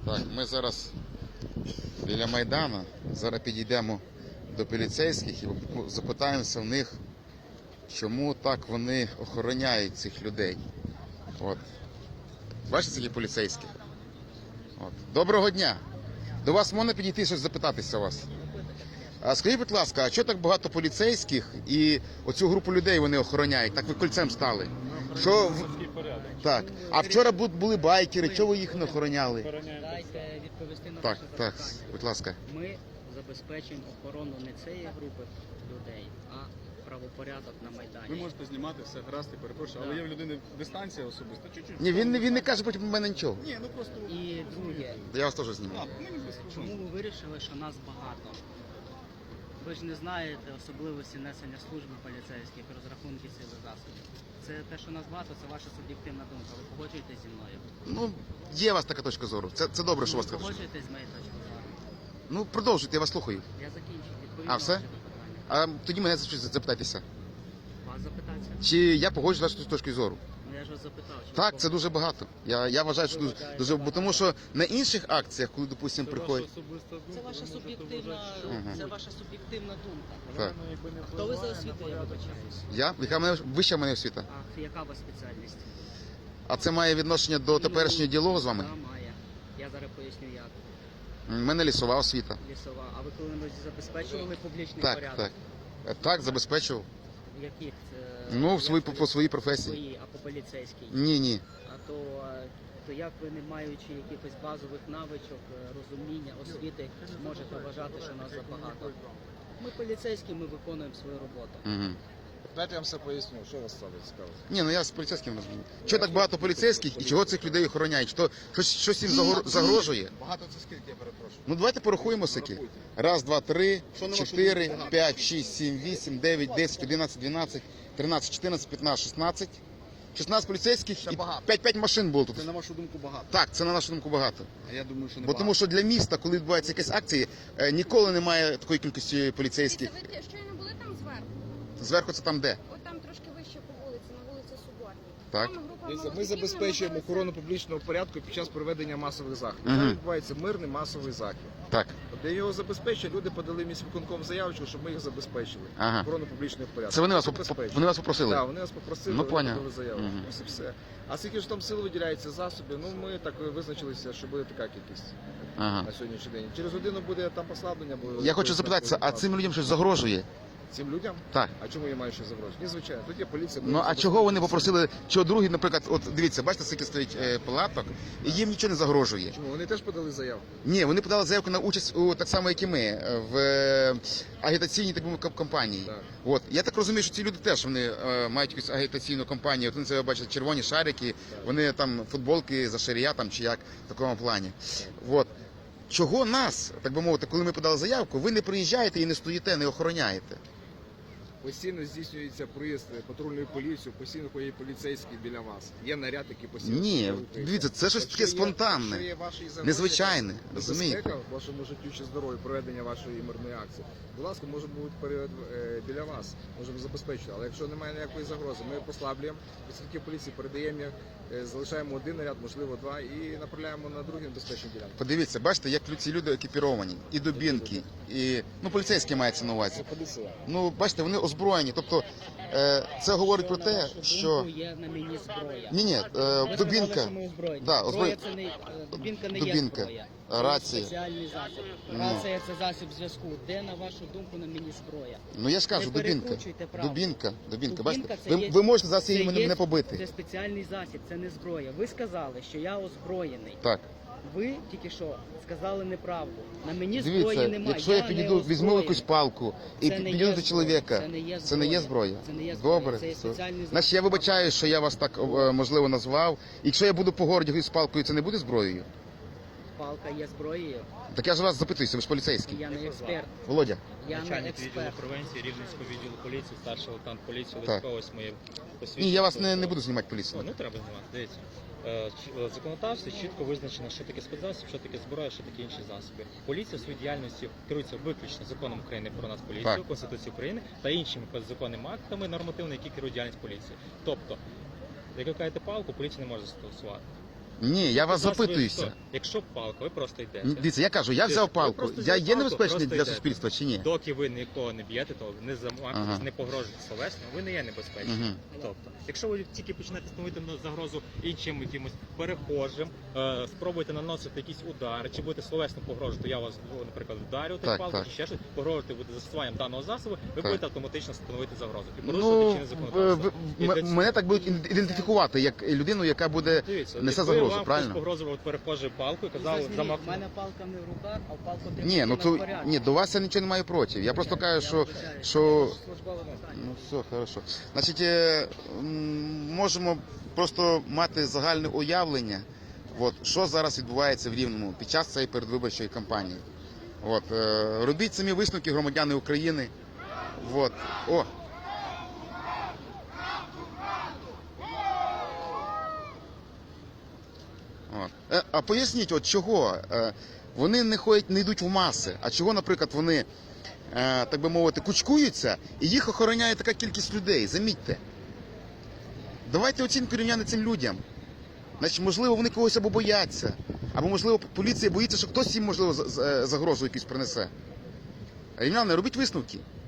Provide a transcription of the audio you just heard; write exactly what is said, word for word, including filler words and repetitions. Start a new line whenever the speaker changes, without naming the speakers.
Так, ми зараз біля Майдану, зараз підійдемо до поліцейських і запитаємося в них, чому так вони охороняють цих людей. От. Бачите, які поліцейські? От. Доброго дня! До вас можна підійти щось запитатися у вас? А скажіть, будь ласка, а чого так багато поліцейських і оцю групу людей вони охороняють? Так ви кольцем стали. Що в... Так. А вчора були байкери, чого ви їх не охороняли?
Дайте відповісти на
Так,
ваше
так,
запитання.
будь ласка.
Ми забезпечуємо охорону не цієї групи людей, а правопорядок на Майдані.
Ви можете знімати все, гаразд, я перепрошую, але є в людини дистанція особиста, чуть-чуть.
Ні, він, не- він не каже потім у мене нічого.
Ні, ну просто...
І друге,
Я вас теж зніму.
А, мені без
чому ви вирішили, що нас багато? Ви ж не знаєте особливості несення служби поліцейських, розрахунки сили засобів. Це те, що нас багато, це ваша суб'єктивна думка. Ви погоджуєтесь зі мною?
Ну, є у вас така точка зору. Це, це добре, що у вас
Ви
така точка.
погоджуєтесь з моєю точкою зору?
Ну, продовжуйте, я вас слухаю.
Я закінчив. Відповідь
А,
на
все?
ваше питання.
А тоді мене за щось запитайтеся.
Вас запитатися?
Чи я погоджуюсь з вашою точкою зору?
Ну я ж вас запитав. Чи
Так,
ви
це дуже багато. Я, я вважаю, що дуже, дуже... Бо тому що на інших акціях, коли, допустимо, приходять...
Це ваша суб'єктивна,
Ага.
це ваша суб'єктивна думка.
Так.
Хто ви за освітою, я вибачаюсь?
Я? Яка в мене вища в мене освіта?
А яка у вас спеціальність?
А це має відношення до теперішнього діалогу з вами?
Да, має. Я зараз поясню як.
У мене лісова освіта.
Лісова. А ви коли-небудь забезпечували публічний
Так,
порядок?
так. Е, Так, забезпечував.
Яких? Це...
Ну, в
як
свої,
це-
по, по своїй професії.
Свої, а по поліцейській?
Ні, ні.
А то, е, то як ви, не маючи якихось базових навичок, е, розуміння, освіти, можете вважати, що нас забагато? Ми поліцейські, ми виконуємо свою роботу.
Угу.
Дайте я вам все поясню, що вас саме цікаво.
Ні, ну я з поліцейським розумію. Чого так багато поліцейських і чого цих людей охороняють? Що, щось, щось їм загор- загрожує?
Багато це скільки, я перепрошую.
Ну давайте порахуємо сики. Раз, два, три,
Що на вашу
чотири,
думку багато?
п'ять, шість, сім, вісім, дев'ять, десять, одинадцять, дванадцять, тринадцять, чотирнадцять, п'ятнадцять, шістнадцять. шістнадцять поліцейських
Це
і
багато.
п'ять-п'ять машин було тут.
Це на вашу думку багато.
Так, це на нашу думку багато.
А я думаю, що не
Бо
багато.
тому що для міста, коли відбуваються якісь акції, е, ніколи немає такої кількості поліцейських.
Дивіться, ви щойно були там зверху?
Зверху це там де?
От там трошки вище по вулиці, на вулиці Соборній.
Так.
Там група
Дивіться, Ми
молодиків
забезпечуємо
намагалися-
охорону публічного порядку під час проведення масових заходів.
Мгм.
Там відбувається мирний масовий захід.
Так.
От Для його забезпечення люди подали міськвиконком заявочку, щоб ми їх забезпечили.
Ага.
Охорону публічного порядку.
Це вони вас, поп-
Забезпечили.
вони вас попросили?
Так, вони нас попросили,
Ну,
вони
поняв.
подали заявку.
Мгм.
Ось і все. А скільки ж там сил виділяється засобів, ну ми так визначилися, що буде така кількість
Ага.
на сьогоднішній день. Через годину буде там послаблення. Буде
Я хочу запитатися, а цим людям щось загрожує?
Цим людям?
Так.
А чому я маю щось загрожувати? Ні, звичайно. Тут є поліція.
Ну а чого вони попросили, чого другі, наприклад, от дивіться, бачите, скільки стоїть е, палаток, і їм нічого не загрожує.
Чому? Вони теж подали заявку.
Ні, вони подали заявку на участь у так само, як і ми, е, в е, агітаційній так би мовити, кампанії.
Так.
От я так розумію, що ці люди теж вони е, мають якусь агітаційну кампанію. От вони це бачать червоні шарики, вони там футболки за шарія там чи як в такому плані. От. Чого нас, так би мовити, коли ми подали заявку, ви не приїжджаєте і не стоїте, не охороняєте?
Постійно здійснюється проїзд патрульної поліції, постійно ходять поліцейські біля вас. Є наряд, який постійно
Ні,
рухається.
дивіться, це щось
Якщо
таке
є-
спонтанне,
якщо є ваші загрози,
незвичайне,
небезпека
розумієте?
вашому життю чи здоров'ю, проведення вашої мирної акції. Будь ласка, може бути перед, е, біля вас, можемо забезпечити. Але якщо немає ніякої загрози, ми послаблюємо працівників поліції, передаємо їх, е, залишаємо один наряд, можливо два, і направляємо на другі небезпечні ділянки.
Подивіться, бачите, як ці люди екіпіровані, і дубінки, і ну поліцейські мається на увазі.
Це поліція.
Ну, бачите, вони озброєні. Тобто е, це говорить про
На
те,
вашу
що
думку, є на мені зброя.
ні, ні,
Ви
е,
сказали,
дубінка,
що ми озброєні.
Да,
Зброя
озброє-
це не, е, дубінка не
Дубінка,
є зброя. Це
рація.
спеціальний засіб.
Ну.
Рація це засіб зв'язку. Де, на вашу думку, на мені зброя?
ну я ж кажу,
Не
дубінка,
перекручуйте правду.
дубінка, дубінка.
Дубінка
Бачите,
це
ви,
є-
ви можете зараз
це
її мене
є-
не побити.
Це спеціальний засіб, це не зброя. Ви сказали, що я озброєний.
Так,
Ви тільки що сказали неправду. На мені зброї
дивіться,
немає.
якщо я
не
підійду, візьму
озброєний.
якусь палку і
Це не
підійду
є
до
зброя.
чоловіка,
Це не є
це не є зброя?
Це не є зброя.
Добре.
Це є
все.
спеціальний засіб.
Значить, я вибачаю, що я вас так е, можливо назвав. Якщо я буду по городі з палкою, це не буде зброєю?
Палка є зброєю.
Так я ж вас запитуюся, ви ж поліцейський.
Я не експерт.
Володя.
Я не
Начальник відділу
експерт.
превенції Рівненського відділу поліції, старший лейтенант поліції
Так.
Лесько, ось моє посвідчення.
Ні, я вас не, не буду знімати поліцію.
Ну, не треба знімати, дивіться. Е, ч- В законодавстві чітко визначено, що таке спецзасіб, що таке зброя, що таке інші засоби. Поліція в своїй діяльності керується виключно законом України про нас поліцію,
Так.
Конституцією України та іншими підзаконними актами нормативними, які керують діяльність поліції. Тобто, як ви кажете палку, поліція не може застосувати.
Ні, я вас
Зараз ви
запитуюся.
хто? Якщо палка, ви просто йдете.
Дивіться, я кажу, я взяв
Ви
палку.
просто
Я
взяли
є
палку,
небезпечний
просто
для
йдете.
суспільства чи ні?
Доки ви нікого не б'єте, то не замахуєтесь,
Ага.
не погрожуєте словесно, ви не є небезпечним.
Мгм.
Тобто, якщо ви тільки почнете становити на загрозу іншим якимось перехожим, е, спробуєте наносити якісь удари, чи будете словесно погрожувати, я вас, ну, наприклад, вдарю
Так,
палку,
так.
чи ще щось, погрожувати буде застосуванням даного засобу, ви
Так.
будете автоматично становити загрозу. І порушувати
Ну,
чинне
в-
законодавство.
в-
І для
м-
цього-
мене так будуть ідентифікувати як людину, яка буде
Дивіться,
несе
якби
загрозу,
вам
правильно?
хтось погрожував перехожою палкою,
Ну,
казав
засніміть,
замах.
в мене палка не в руках, а в палку ти
Ні, ну то ні, до вас я нічого не маю проти. Я просто кажу, що, що ну все, хорошо. Значить, е, м, можемо просто мати загальне уявлення, от, що зараз відбувається в Рівному під час цієї передвиборчої кампанії. От, е, робіть самі висновки, громадяни України. От. О! От. Е, А поясніть, от чого е, вони не ходять, не йдуть в маси, а чого, наприклад, вони, е, так би мовити, кучкуються і їх охороняє така кількість людей, замітьте. Давайте оцінку рівняти цим людям. Значить, можливо, вони когось або бояться, або, можливо, поліція боїться, що хтось їм, можливо, за- за- загрозу якусь принесе. Рівняни, робіть висновки.